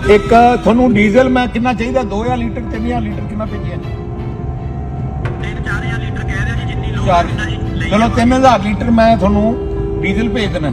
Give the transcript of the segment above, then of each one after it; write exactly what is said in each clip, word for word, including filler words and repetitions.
ਇੱਕ ਤੁਹਾਨੂੰ ਡੀਜ਼ਲ ਮੈਂ ਕਿੰਨਾ ਚਾਹੀਦਾ ਦੋ ਹਜ਼ਾਰ ਲੀਟਰ ਤਿੰਨ ਹਜ਼ਾਰ ਲੀਟਰ ਕਿੰਨਾ ਭੇਜਿਆ ਜੀ? ਤਿੰਨ ਚਾਰ ਹਜ਼ਾਰ ਲੀਟਰ ਕਹਿ ਰਿਹਾ ਜੀ, ਜਿੰਨੀ ਲੋੜ ਚਾਰ ਹੈ ਜੀ ਲਈ ਚਲੋ ਤਿੰਨ ਹਜ਼ਾਰ ਲੀਟਰ ਮੈਂ ਤੁਹਾਨੂੰ ਡੀਜ਼ਲ ਭੇਜ ਦੇਣਾ।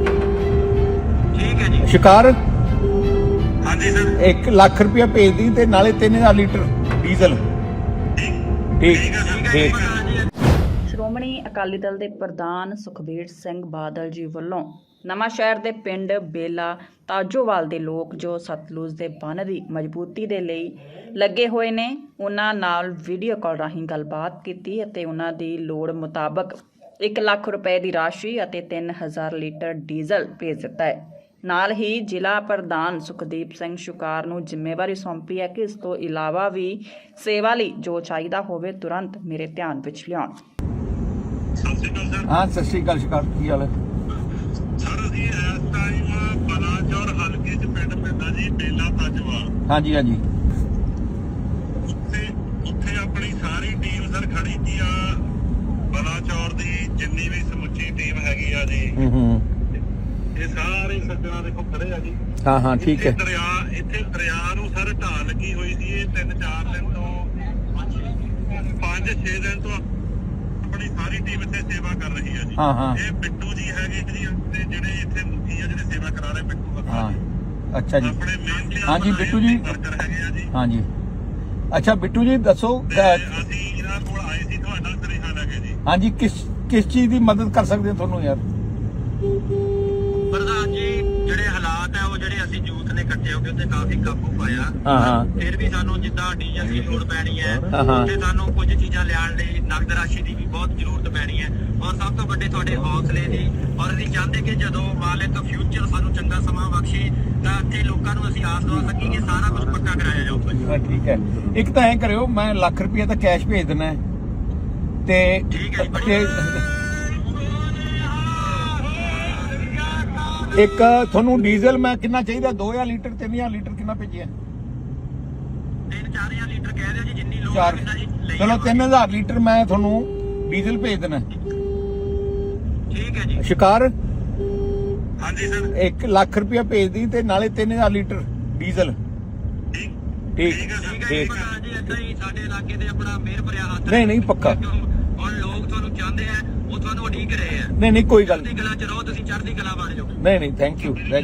ਠੀਕ ਹੈ ਜੀ। ਸ਼ਿਕਾਰ ਹਾਂਜੀ ਸਰ। ਇੱਕ ਲੱਖ ਰੁਪਇਆ ਭੇਜ ਦੀ ਤੇ ਨਾਲੇ ਤਿੰਨ ਹਜ਼ਾਰ ਲੀਟਰ ਡੀਜ਼ਲ। ਠੀਕ ਠੀਕ ਹੈ ਠੀਕ। ਸਰ। ਸ਼੍ਰੋਮਣੀ ਅਕਾਲੀ ਦਲ ਦੇ ਪ੍ਰਧਾਨ ਸੁਖਬੀਰ ਸਿੰਘ ਬਾਦਲ ਜੀ ਵੱਲੋਂ ਨਵਾਂ ਸ਼ਹਿਰ ਦੇ ਪਿੰਡ ਬੇਲਾ ਤਾਜੋਵਾਲ ਦੇ ਲੋਕ ਜੋ ਸਤਲੁਜ ਦੇ ਬੰਨ੍ਹ ਦੀ ਮਜ਼ਬੂਤੀ ਦੇ ਲਈ ਲੱਗੇ ਹੋਏ ਨੇ, ਉਹਨਾਂ ਨਾਲ ਵੀਡੀਓ ਕਾਲ ਰਾਹੀਂ ਗੱਲਬਾਤ ਕੀਤੀ ਅਤੇ ਉਹਨਾਂ ਦੀ ਲੋੜ ਮੁਤਾਬਕ ਇੱਕ ਲੱਖ ਰੁਪਏ ਦੀ ਰਾਸ਼ੀ ਅਤੇ ਤਿੰਨ ਹਜ਼ਾਰ ਲੀਟਰ ਡੀਜ਼ਲ ਭੇਜ ਦਿੱਤਾ ਹੈ। ਨਾਲ ਹੀ ਜ਼ਿਲ੍ਹਾ ਪ੍ਰਧਾਨ ਸੁਖਦੀਪ ਸਿੰਘ ਸ਼ੁਕਾਰ ਨੂੰ ਜ਼ਿੰਮੇਵਾਰੀ ਸੌਂਪੀ ਹੈ ਕਿ ਇਸ ਤੋਂ ਇਲਾਵਾ ਵੀ ਸੇਵਾ ਲਈ ਜੋ ਚਾਹੀਦਾ ਹੋਵੇ ਤੁਰੰਤ ਮੇਰੇ ਧਿਆਨ ਵਿੱਚ ਲਿਆਉਣ। ਸਤਿ ਸ਼੍ਰੀ ਅਕਾਲ ਸਰ। ਹਾਂ ਸਤਿ ਸ਼੍ਰੀ ਅਕਾਲ ਸ਼ਿਕਾਰ, ਕੀ ਹਾਲ ਹੈ? ਸਰ ਅਸੀਂ ਇਸ ਟਾਈਮ ਬਲਾਚੌਰ ਹਲਕੇ 'ਚ ਪਿੰਡ ਪੈਂਦਾ ਜੀ ਬੇਲਾ ਤਾਜਵਾਲ। ਹਾਂਜੀ ਹਾਂਜੀ ਉੱਥੇ ਉੱਥੇ ਆਪਣੀ ਸਾਰੀ ਟੀਮ ਸਰ ਖੜੀ ਕੀ ਆ, ਬਲਾਚੌਰ ਦੀ ਜਿੰਨੀ ਵੀ ਸਮੁੱਚੀ ਟੀਮ ਹੈਗੀ ਆ ਜੀ। ਹੂੰ ਹੂੰ ਇਹ ਸਾਰੇ ਸੱਜਣਾ ਦੇਖੋ ਖੜੇ ਆ ਜੀ। ਹਾਂ ਹਾਂ ਠੀਕ ਹੈ। ਇੱਥੇ ਦਰਿਆ ਇੱਥੇ ਦਰਿਆ ਨੂੰ ਸਰ ਢਾਹ ਲੱਗੀ ਹੋਈ ਸੀ। ਇਹ ਤਿੰਨ ਚਾਰ ਦਿਨ ਤੋਂ ਪੰਜ ਛੇ ਦਿਨ ਤੋਂ ਆਪਣੀ ਸਾਰੀ ਟੀਮ ਇੱਥੇ ਸੇਵਾ ਕਰ ਰਹੀ ਆ ਜੀ। ਹਾਂ ਹਾਂ ਇਹ ਬਿੱਟੂ ਜੀ ਹੈਗੇ ਜੀ, ਤੇ ਜਿਹੜੇ ਇੱਥੇ ਮੁਖੀ ਆ ਜਿਹੜੇ ਸੇਵਾ ਕਰਾ ਰਹੇ ਬਿੱਟੂ ਵਰਗਾ ਹਾਂ ਜੀ। ਅੱਛਾ ਜੀ। ਆਪਣੇ ਮੇਨ ਹਾਂਜੀ, ਬਿੱਟੂ ਜੀ। ਵਰਕਰ ਹੈਗੇ ਆ ਜੀ। ਹਾਂਜੀ ਅੱਛਾ ਬਿੱਟੂ ਜੀ ਦੱਸੋ ਤੇ ਅਹ, ਅਸੀਂ ਇਹਨਾਂ ਕੋਲ ਆਏ ਸੀ ਤੁਹਾਡਾ ਸੁਨੇਹਾ ਲੈ ਕੇ ਜੀ। ਹਾਂਜੀ ਕਿਸ ਕਿਸ ਚੀਜ਼ ਦੀ ਮਦਦ ਕਰ ਸਕਦੇ ਹਾਂ ਤੁਹਾਨੂੰ ਯਾਰ? ਪ੍ਰਧਾਨ ਜੀ ਜਿਹੜੇ ਹਾਲਾਤ ਆ ਉਹ ਜਿਹੜੇ ਅਸੀਂ ਯੂਥ ਨੇ ਇਕੱਠੇ ਹੋ ਕੇ ਉੱਤੇ ਕਾਫੀ ਕਾਬੂ ਪਾਇਆ। ਹਾਂ ਹਾਂ ਫਿਰ ਵੀ ਸਾਨੂੰ ਜਿੱਦਾਂ ਡੀਜ਼ਲ ਦੀ ਲੋੜ ਪੈਣੀ ਹੈ, ਹਾਂ, ਹਾਂ। ਤੇ ਸਾਨੂੰ ਕੁਝ ਚੀਜ਼ਾਂ ਲਿਆਉਣ ਲਈ ਨਕਦ ਰਾਸ਼ੀ ਦੀ ਵੀ ਬਹੁਤ ਜ਼ਰੂਰਤ ਪੈਣੀ ਹੈ। ਔਰ ਸਭ ਤੋਂ ਵੱਡੇ ਤੁਹਾਡੇ ਹੌਸਲੇ ਦੀ, ਔਰ ਅਸੀਂ ਚਾਹੁੰਦੇ ਕਿ ਜਦੋਂ ਮਾਲਕ ਫਿਊਚਰ ਸਾਨੂੰ ਚੰਗਾ ਸਮਾਂ ਬਖਸ਼ੇ ਤਾਂ ਇੱਥੇ ਲੋਕਾਂ ਨੂੰ ਅਸੀਂ ਆਸ ਦਵਾ ਸਕੀਏ ਕਿ ਸਾਰਾ ਕੁਝ ਪੱਕਾ ਕਰਾਇਆ ਜਾਊਗਾ ਜੀ। ਹਾਂ, ਠੀਕ ਹੈ। ਇੱਕ ਤਾਂ ਐਂ ਕਰਿਓ, ਮੈਂ ਲੱਖ ਰੁਪਇਆ ਤਾਂ ਕੈਸ਼ ਭੇਜ ਦੇਣਾ ਹੈ ਤੇ ਠੀਕ ਹੈ ਜੀ, ਤੇ ਇੱਕ ਤੁਹਾਨੂੰ ਡੀਜ਼ਲ ਮੈਂ ਕਿੰਨਾ ਚਾਹੀਦਾ ਦੋ ਹਜ਼ਾਰ ਲੀਟਰ ਤਿੰਨ ਹਜ਼ਾਰ ਲੀਟਰ ਕਿੰਨਾ ਭੇਜਿਆ? ਤਿੰਨ ਚਾਰ ਹਜ਼ਾਰ ਲੀਟਰ ਕਹਿ ਰਿਹਾ ਜੀ, ਜਿੰਨੀ ਲੋੜ ਚਾਰ ਹੈ ਜੀ ਲਈ ਚਲੋ ਤਿੰਨ ਹਜ਼ਾਰ ਲੀਟਰ ਮੈਂ ਤੁਹਾਨੂੰ ਡੀਜ਼ਲ ਭੇਜ ਦੇਣਾ। ਠੀਕ ਹੈ ਜੀ। ਸ਼ਿਕਾਰ ਹਾਂਜੀ ਸਰ। ਇੱਕ ਲੱਖ ਰੁਪਇਆ ਭੇਜ ਦੀ ਤੇ ਨਾਲੇ ਤਿੰਨ ਹਜ਼ਾਰ ਲੀਟਰ ਡੀਜ਼ਲ। ਠੀਕ ਠੀਕ ਠੀਕ ਹੈ ਸਰ। ਠੀਕ। ਪ੍ਰਧਾਨ ਜੀ ਏਦਾਂ ਹੀ ਸਾਡੇ ਇਲਾਕੇ ਦੇ ਆਪਣਾ ਮਿਹਰ ਭਰਿਆ ਹੱਥ ਨਹੀਂ ਨਹੀਂ ਪੱਕਾ। ਔਰ ਲੋਕ ਤੁਹਾਨੂੰ ਚਾਹੁੰਦੇ ਆ, ਉਹ ਤੁਹਾਨੂੰ ਉਡੀਕ ਰਹੇ ਆ। ਨਹੀਂ ਨਹੀਂ ਕੋਈ ਗੱਲ ਚੜ੍ਹਦੀ ਕਲਾ ਚ ਰਹੋ, ਤੁਸੀਂ ਚੜ੍ਹਦੀ ਕਲਾ ਬਣ ਜਾਓ। ਨਹੀਂ ਨਹੀਂ ਥੈਂਕ ਯੂ।